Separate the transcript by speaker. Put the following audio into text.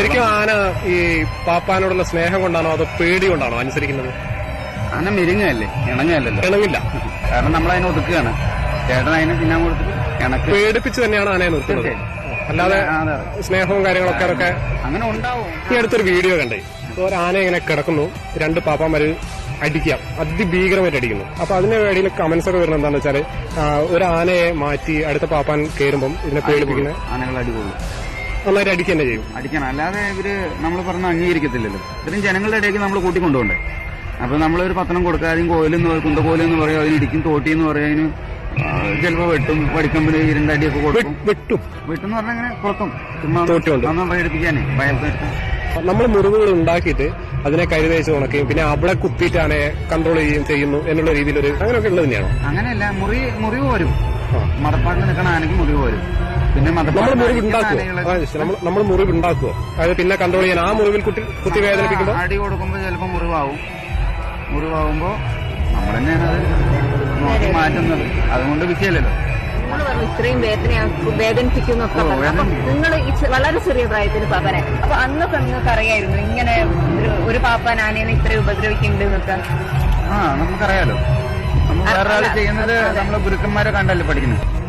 Speaker 1: ശരിക്കും ആന ഈ പാപ്പാനോടുള്ള സ്നേഹം കൊണ്ടാണോ അതോ പേടി കൊണ്ടാണോ അനുസരിക്കുന്നത്?
Speaker 2: ആന മെരുങ്ങല്ലേ, ഇണങ്ങല്ലല്ലോ.
Speaker 1: ഇണങ്ങില്ല,
Speaker 2: കാരണം നമ്മളതിനെ ഒതുക്കുകയാണ്. ചേട്ടൻ അതിനെ തിന്നാൻ കൊടുത്തിട്ട് ഇണക്ക്
Speaker 1: പേടിപ്പിച്ച് തന്നെയാണ് ആനയെ നിർത്തുന്നത്. അല്ലാതെ സ്നേഹവും കാര്യങ്ങളൊക്കെ അതൊക്കെ
Speaker 2: അങ്ങനെ ഉണ്ടാവും.
Speaker 1: ഈ അടുത്തൊരു വീഡിയോ കണ്ടേ, ഒരു ആന ഇങ്ങനെ കിടക്കുന്നു, രണ്ട് പാപ്പാമാര് അടിക്കാം, അതിഭീകരമായിട്ട് അടിക്കുന്നു. അപ്പൊ അതിന്റെ ഇടയിൽ കമന്റ്സ് ഒക്കെ വരുന്നത് എന്താണെന്ന് വെച്ചാല് ഒരു ആനയെ മാറ്റി അടുത്ത പാപ്പാൻ കയറുമ്പം ഇതിനെ പേടിപ്പിക്കുന്ന
Speaker 2: ആനകൾ അടികൊള്ളു,
Speaker 1: നന്നായിട്ട് അടിക്കുക തന്നെ ചെയ്യും.
Speaker 2: അടിക്കണം, അല്ലാതെ ഇവര് നമ്മൾ പറഞ്ഞ അംഗീകരിക്കത്തില്ലല്ലോ. ഇത്രയും ജനങ്ങളുടെ ഇടയ്ക്ക് നമ്മൾ കൂട്ടിക്കൊണ്ടുപോകണ്ടേ. അപ്പൊ നമ്മളൊരു പത്രം കൊടുക്കുക, അതിന് കോയിലെന്ന് കുന്തകോലെന്ന് പറയും, അതിന് ഇടിക്കും, തോട്ടിന്ന് പറയും, അതിന് ചിലപ്പോ വെട്ടും, വടിക്കമ്പിന് രണ്ടടിയൊക്കെ കൊടുക്കും. വെട്ടെന്ന് പറഞ്ഞാൽ ഇങ്ങനെ പുറത്തും ചുമ്മാ പേടിപ്പിക്കാനേ, ഭയപ്പെടുത്തി.
Speaker 1: നമ്മൾ മുറിവുകൾ ഉണ്ടാക്കിയിട്ട് അതിനെ കരുതേച്ച് ഉണക്കുകയും പിന്നെ അവിടെ കുത്തിയിട്ട് ആനയെ കൺട്രോൾ ചെയ്യുകയും ചെയ്യുന്നു എന്നുള്ള രീതിയിലൊരു അങ്ങനെയൊക്കെ ഉള്ളത് തന്നെയാണോ?
Speaker 2: അങ്ങനെയല്ല, മുറിവ് വരും. മതപ്പാട്ടിൽ നിൽക്കണ ആനയ്ക്ക് മുറിവ് വരും. പിന്നെ
Speaker 1: നമ്മൾ മുറിവ് ഉണ്ടാക്കുവോ? അതായത് പിന്നെ കൺട്രോൾ ചെയ്യാൻ ആ മുറിവിൽ കുത്തി വേദനിപ്പിക്കുമ്പോൾ
Speaker 2: അടി കൊടുക്കുമ്പോൾ ചിലപ്പോൾ മുറിവാകുമ്പോ നമ്മൾ തന്നെയാണ് അത് നോക്കി മാറ്റുന്നത്. അതുകൊണ്ട് വിഷയമല്ലല്ലോ.
Speaker 3: ഇത്രയും വേദനിപ്പിക്കുന്നൊക്കെ നിങ്ങൾ വളരെ ചെറിയ പ്രായത്തിന് പാപ്പനെ, അപ്പൊ അന്നൊക്കെ നിങ്ങൾക്ക് അറിയായിരുന്നു ഇങ്ങനെ ഒരു പാപ്പാൻ ആനേനെ ഇത്രയും ഉപദ്രവിക്കുന്നുണ്ട് എന്നൊക്കെ?
Speaker 2: നമുക്കറിയാലോ. നമ്മൾ വേറെ ആൾ ചെയ്യുന്നത് നമ്മളെ ഗുരുക്കന്മാരെ കണ്ടല്ലേ പഠിക്കുന്നത്.